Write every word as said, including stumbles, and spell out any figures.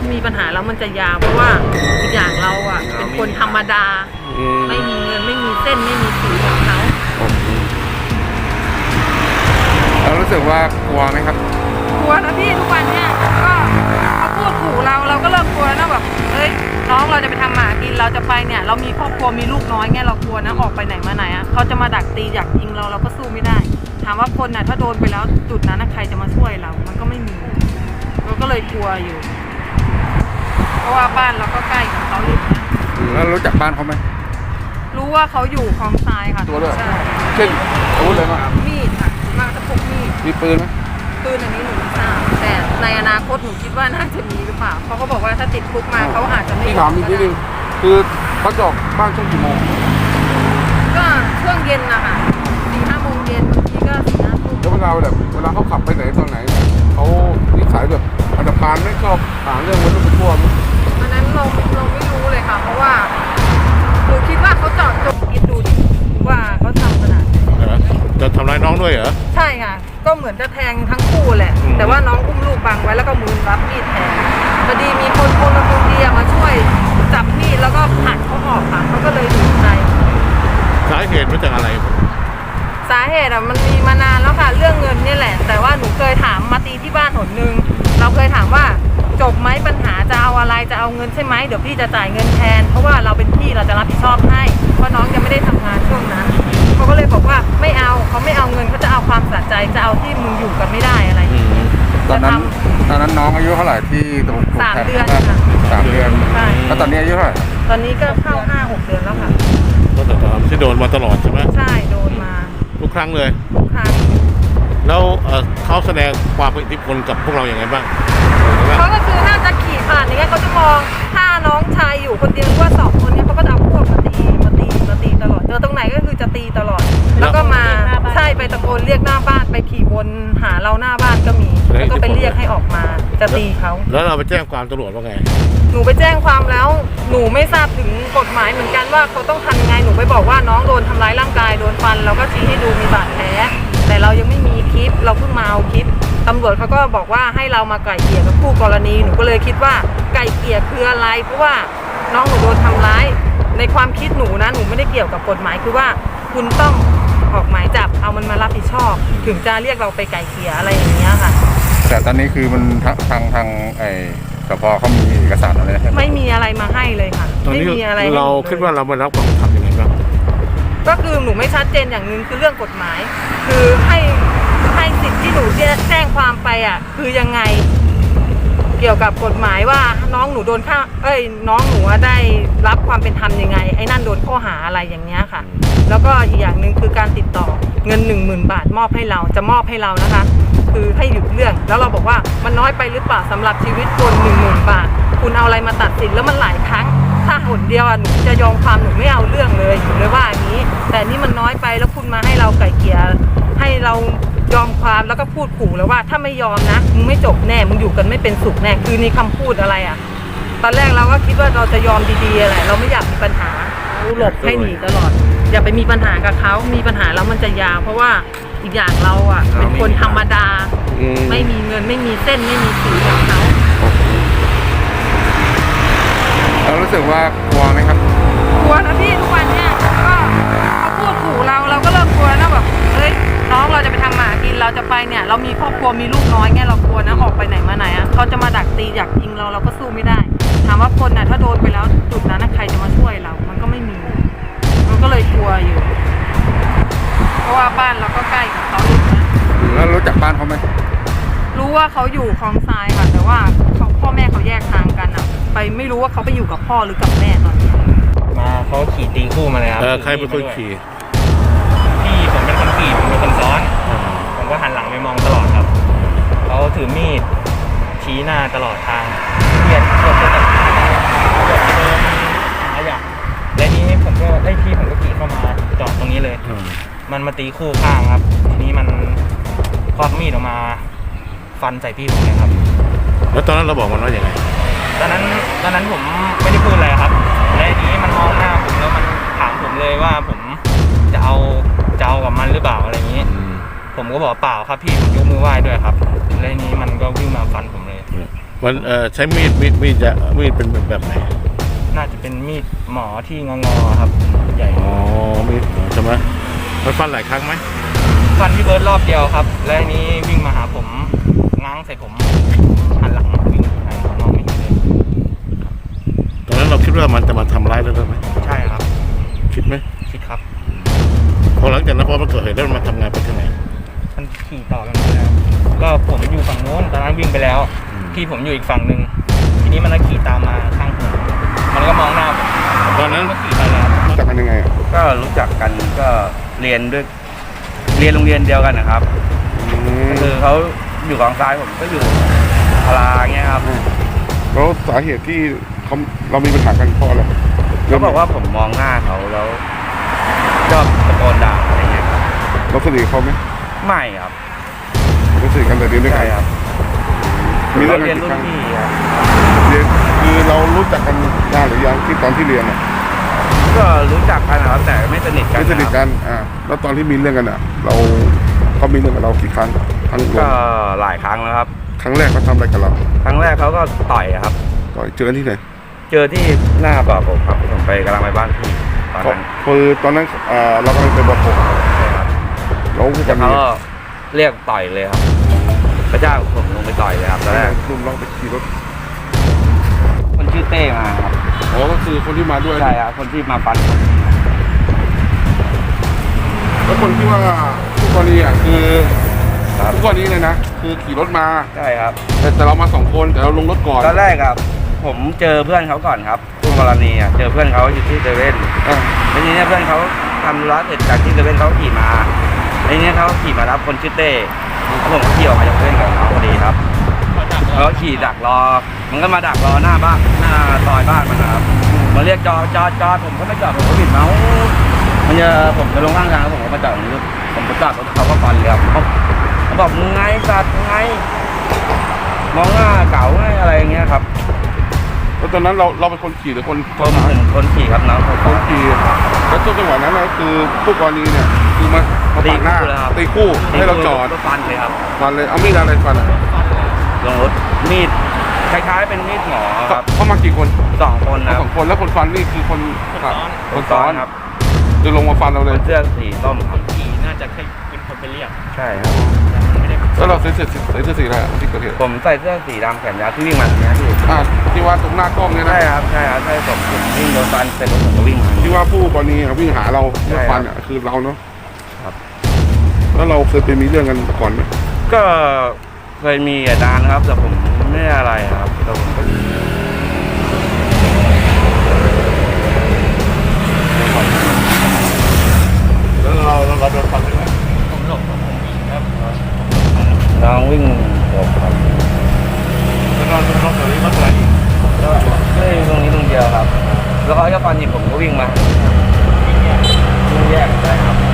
มีปัญหาแล้วมันจะยาวเพราะว่าอีกอย่างเราอ่ะเป็นคนธรรมดาไม่มีเงินไม่มีเส้นไม่มีสีของเขาเรารู้สึกว่ากลัวไหมครับกลัวนะพี่ทุกวันเนี้ยก็เขาพูดขู่เราเราก็เริ่มกลัวนะแบบเฮ้ยน้องเราจะไปทำหมากินเราจะไปเนี่ยเรามีครอบครัวมีลูกน้อยไงเรากลัวนะออกไปไหนมาไหนอ่ะเขาจะมาดักตีอยากยิงเราเราก็สู้ไม่ได้ถามว่าคนน่ะถ้าโดนไปแล้วจุดนั้นใครจะมาช่วยเรามันก็ไม่มีเราก็เลยกลัวอยู่เพราะว่าบ้านเราก็ใกล้กับเขาอยู่นะแล้วรู้จักบ้านเขาไหมรู้ว่าเขาอยู่คลองทรายค่ะตัวด้วยเช่นอาวุธอะไรบ้างมีดค่ะมากระพกมีดมีปืนไหมปืนอันนี้หนูไม่ทราบแต่ในอนาคตหนูคิดว่าน่าจะมีหรือเปล่าเขาก็บอกว่าถ้าติดคุกมาเขาอาจจะไม่ถามอีกนิดนึงคือเขาจอกบ้านช่วงกี่โมงก็ช่วงเย็นนะคะสี่ห้าโมงเย็นบางทีก็สี่ห้าทุ่มแล้วเวลาแบบเวลาเขาขับไปไหนตอนไหนเขานิสัยแบบอันธพาลไม่ชอบหาเรื่องมันเป็นพวกอันนั้นเราเราไม่รู้เลยค่ะเพราะว่าหนูคิดว่าเขาจอดจงคิดดูดิว่าเขาทำขนาดจะทำร้ายน้องด้วยเหรอใช่ค่ะก็เหมือนจะแทงทั้งคู่แหละแต่ว่าน้องอุ้มลูกบังไว้แล้วก็มือรับมีดแทงพอดีมีคนพลเมืองดีมาช่วยจับมีดแล้วก็ผลักเขาออกค่ะเขาก็เลยหนีไปสาเหตุมาจากอะไรสาเหตุอ่ะมันมีมานานแล้วค่ะเรื่องเงินนี่แหละแต่ว่าหนูเคยถามมาตีที่บ้านหนนึงเราเคยถามว่าจบไหมปัญหาจะเอาอะไรจะเอาเงินใช่ไหมเดี๋ยวพี่จะจ่ายเงินแทนเพราะว่าเราเป็นพี่เราจะรับผิดชอบให้เพราะน้องยังไม่ได้ทำงานช่วงนั้นเขาก็เลยบอกว่าไม่เอาเขาไม่เอาเงินเขาจะเอาความสะใจจะเอาที่มึงอยู่กันไม่ได้อะไรตอนนั้นตอนนั้นน้องอายุเท่าไหร่ที่ถูกสามเดือนค่ะสามเดือนใช่แล้วตอนนี้อายุเท่าไหร่ตอนนี้ก็เข้าห้าหกเดือนแล้วค่ะก็แต่ตอนที่โดนมาตลอดใช่ไหมใช่โดนมาทุกครั้งเลยทุกครั้งแล้วเขาแสดงความอิทธิพลกับพวกเราอย่างไรบ้างเขาก็คือน่าจะขี่ผ่านอย่างเงี้ยเขาจะมองถ้าน้องชายอยู่คนเดียวว่าสองคนนี้เขาก็จะเอาพวกมาตีมาตีมาตีตลอดเจอตรงไหนก็คือจะตีตลอดแล้วก็มาใช่ไปตะโกนเรียกหน้าบ้านไปขี่วนหาเราหน้าบ้านก็มีแล้วก็ไปเรียกให้ออกมาจะตีเขาแล้วเราไปแจ้งความตำรวจว่าไงหนูไปแจ้งความแล้วหนูไม่ทราบถึงกฎหมายเหมือนกันว่าเขาต้องทำยังไงหนูไปบอกว่าน้องโดนทำร้ายร่างกายโดนฟันเราก็ชี้ให้ดูมีบาดแผลแต่เรายังไม่มีคลิปเราเพิ่งมาเอาคลิปตำรวจเขาก็บอกว่าให้เรามาไกล่เกลี่ยกับคู่กรณีหนูก็เลยคิดว่าไกล่เกลี่ยคืออะไรเพราะว่าน้องหนูโดนทำร้ายในความคิดหนูนะหนูไม่ได้เกี่ยวกับกฎหมายคือว่าคุณต้องออกหมายจับเอามันมารับผิดชอบถึงจะเรียกเราไปไกล่เกลี่ยอะไรอย่างเงี้ยค่ะแต่ตอนนี้คือมันทางทางทางไอ้สพเขามีเอกสารอะไรไม่มีอะไรมาให้เลยค่ะไม่มีอะไรเราคิดว่าเรามารับความทำยังไงบ้างก็คือหนูไม่ชัดเจนอย่างนึงคือเรื่องกฎหมายคือให้ให้สิทธิ์ที่หนูแจ้งความไปอ่ะคือยังไงเกี่ยวกับกฎหมายว่าน้องหนูโดนฆ่าเอ้ยน้องหนูได้รับความเป็นธรรมยังไงไอ้นั่นโดนข้อหาอะไรอย่างเงี้ยค่ะแล้วก็อีกอย่างหนึ่งคือการติดต่อเงินหนึ่งหมื่นบาทมอบให้เราจะมอบให้เรานะคะคือให้หยุดเรื่องแล้วเราบอกว่ามันน้อยไปหรือเปล่าสำหรับชีวิตคนหนึ่งหมื่นบาทคุณเอาอะไรมาตัดสินแล้วมันหลายครั้งถ้าหนเดียวหนูจะยอมความหนูไม่เอาเรื่องเลยหนูเลยว่าอย่างนี้แต่นี่มันน้อยไปแล้วคุณมาให้เราไกล่เกลี่ยให้เรายอมความแล้วก็พูดขู่แล้วว่าถ้าไม่ยอมนะมึงไม่จบแน่มึงอยู่กันไม่เป็นสุขแน่คือในคำพูดอะไรอ่ะตอนแรกเราก็คิดว่าเราจะยอมดีๆอะไรเราไม่อยากมีปัญหาหลบให้หนีตลอดอย่าไปมีปัญหากับเขามีปัญหาแล้วมันจะยาวเพราะว่าอีกอย่างเราอ่ะเป็นคนธรรมดาไม่มีเงินไม่มีเส้นไม่มีสีของเขาเรารู้สึกว่ากลัวไหมครับกลัวนะพี่ทุกวันเนี้ยก็เขาพูดขู่เราเราก็เริ่มกลัวนะแบบเฮ้ยน้องเราจะไปทำหมากินเราจะไปเนี่ยเรามีครอบครัวมีลูกน้อยไงเรากลัวนะออกไปไหนมาไหนอ่ะเขาจะมาดักตีอยากยิงเราเราก็สู้ไม่ได้ถามว่าคนน่ะถ้าโดนไปแล้วจุดนั้นใครจะมาช่วยเรามันก็ไม่มีมันก็เลยกลัวอยู่เพราะว่าบ้านเราก็ใกล้กับเขาอยู่นะแล้วรู้จักบ้านเขาไหมรู้ว่าเขาอยู่คลองทรายค่ะแต่ว่าเขาพ่อแม่เขาแยกทางกันอ่ะไปไม่รู้ว่าเขาไปอยู่กับพ่อหรือกับแม่ตอนนี้มาเขาขี่ตีคู่มาเลยครับใครเป็นคนขี่พี่ผมเป็นคนขี่ผมเป็นคนซ้อนผมก็หันหลังไปมองตลอดครับเขาถือมีดชี้หน้าตลอดทางเบียดเกือบจะตัดเกือบจะเดินหาอย่างและนี้ผมก็ได้ที่ผมก็ขี่เข้ามาจอดตรงนี้เลยมันมาตีคู่ข้างครับทีนี้มันควักมีดออกมาฟันใส่พี่ผมเลยครับแล้วตอนนั้นเราบอกมันว่าอย่างไรตอนนั้นตอนนั้นผมไม่ได้พูดอะไรครับและทีนี้มันมองหน้าผมแล้วมันถามผมเลยว่าผมจะเอาจะเอากับมันหรือเปล่าอะไรอย่างนี้ผมก็บอกเปล่าครับพี่ผมยกมือไหว้ด้วยครับและนี้มันก็วิ่งมาฟันผมเลยมันเอ่อใช้มีดมีดมีดจะมีดเป็นแบบไหนน่าจะเป็นมีดหมอที่งองอๆครับ ใหญ่อ๋อมีดใช่ไหมมันฟันหลายครั้งไหมฟันพี่เบิร์ดรอบเดียวครับ และอันนี้วิ่งมาหาผมง้างใส่ผมหันหลังวิ่งหันผมมองไม่เห็นเลยตอนนั้นเราคิดว่ามันจะมาทำร้ายเราด้วยไหมใช่ครับคิดไหมคิดครับพอหลังจากนั้นพอมันเกิดเหตุแล้วมันมาทำงานไปที่ไหนมันขี่ต่อกันมาแล้ว ก็ผมอยู่ฝั่งโน้นตอนนั้นวิ่งไปแล้วอืมพี่ผมอยู่อีกฝั่งหนึ่งทีนี้มันก็ขี่ตามมาข้างผมมันก็มองหน้าผมตอนนั้นก็ขี่ไปแล้วรู้จักกันยังไงอะก็รู้จักกันก็เรียนด้วยเรียนโรงเรียนเดียวกันนะครับอืมก็คือเขาอยู่กองซ้ายผมก็อยู่พลาเงี้ยครับแล้วสาเหตุที่เขาเรามีปัญหากันเพราะอะไรเขาบอกว่าผมมองหน้าเขาแล้วชอบตะโกนด่าอะไรเงี้ยครับเราสนิทกับเขาไหมไม่ครับเราสนิทกันแต่เรียนด้วยกัใช่นครับมีเราเรื่องเรีกันยนกี่รุ่คน รั้งพี่ครับเรียนคือเรารู้จักกันนานหรือยังที่ตอนที่เรียนอะก็รู้จักกันนะครับแต่ไม่สนิทกันไม่สนิทนะครับกันอ่าแล้วตอนที่มีเรื่องกันอ่ะ เราเขามีเรื่องกับเรากี่ครั้งครั้งรวก็มหลายครั้งแล้วครับครั้งแรกเขาทำอะไรกับเราครั้งแรกเขาก็ต่อยครับต่อยเจอกันที่ไหนเจอที่หน้าบ่อผมครับผมไปกำลังไปบ้านพี่ตอนนั้นคือตอนนั้นอ่าเรากำลังไปบอกผมใช่ครับแล้วผู้กัแล้นวเขาก็เรียกต่อยเลยครับพระเจ้าผมลงไปต่อยเลยครับตอนแรกกลุ่มเราไปขี่รถคนชื่อเต้มาครับอ๋อก็คือคนที่มาด้วยใช่ครับคนที่มาฟันผมแล้วคนที่ว่าผู้กรณีอ่ะคือครับผู้กรณีเลยนะคือขี่รถมาใช่ครับแต่แต่เรามาสองคนแต่เราลงรถก่อนตอนแรกครับ ผมเจอเพื่อนเขาก่อนครับคู่กรณีอ่ะเจอเพื่อนเขาอยู่ที่เซเว่นอ่าแล้วทีเนี้ยเพื่อนเขาทำธุระเสร็จจากที่เซเว่นเขาขี่มาแล้วทีเนี้ยเขาขี่มารับคนชื่อเต้แล้วผมก็ขี่ออกมาจากเซเว่นกับเขาพอดีครับแล้วก็ขี่ดักรอ มันก็มาดักรอหน้าบ้านหน้าซอยบ้านมันนะครับมาเรียกจอดจอดจอดผมก็ไม่จอดผมก็บิดเมาส์มันจะผมจะลงข้างทางแล้วผมก็มาจอดตรงนี้ผมก็จอดรถเขาก็ฟันเลยครับเขาเขาบอกมึงไงสัตว์มึงไงมองหน้าเก๋าไงอะไรอย่างเงี้ยครับแล้วตอนนั้นเราเราเป็นคนขี่หรือคนผมผมคนขี่ครับน้องคนคนขี่แล้วช่วงจังหวะนั้นนะคือผู้กรณีเนี่ยคือมามาปาดหน้าตีคู่ให้เราจอดก็ฟันเลยครับฟันเลยเอามีดอะไรฟันอ่ะลงรถมีดคล้ายๆเป็นมีดหมอครับเขามากี่คนสองคนนะคสรัอบ งคนแล้วคนฟันนี่คือคนขับคนซ้อนครับจะลงมาฟันเราคเลยนเสื้อสีส้มครับขี่น่าจะให้เป็นคนไปเรียกใช่ครับไม่ได้แล้วเราใส่เสื้อใส่เสื้อสีอะไรอะที่เกิดเหตุผมใส่เสื้อสีดำแขนยาวที่วิ่งมาเนี่ยพี่อ่าที่ว่าตรงหน้ากล้องเนี่ยนะใช่ครับใช่ครับใช่ผมผมวิ่งโดนฟันเสร็จแล้วผมก็วิ่งมาที่ว่าผู้กรณีอะวิ่งหาเราใช่เมื่อครับฟันอ่ะคือเราเนาะครับแล้วเราเคยไปมีเรื่องกันก่อนไหมก็เคยมีอาจารย์นะครับ แต่ผมไม่ได้อะไรครับแต่ผมก็แล้วเราเราเราโดนฟันใช่ไหมผมหลบผมวิ่งครับน้องวิ่งหลบครับแล้วเราเราตอนนี้มันอะไรอีกก็ไม่ได้ตรงนี้ตรงเดียวครับ แล้วเขาจะฟันหยิบผมก็วิ่งมาวิ่งแยกได้ครับ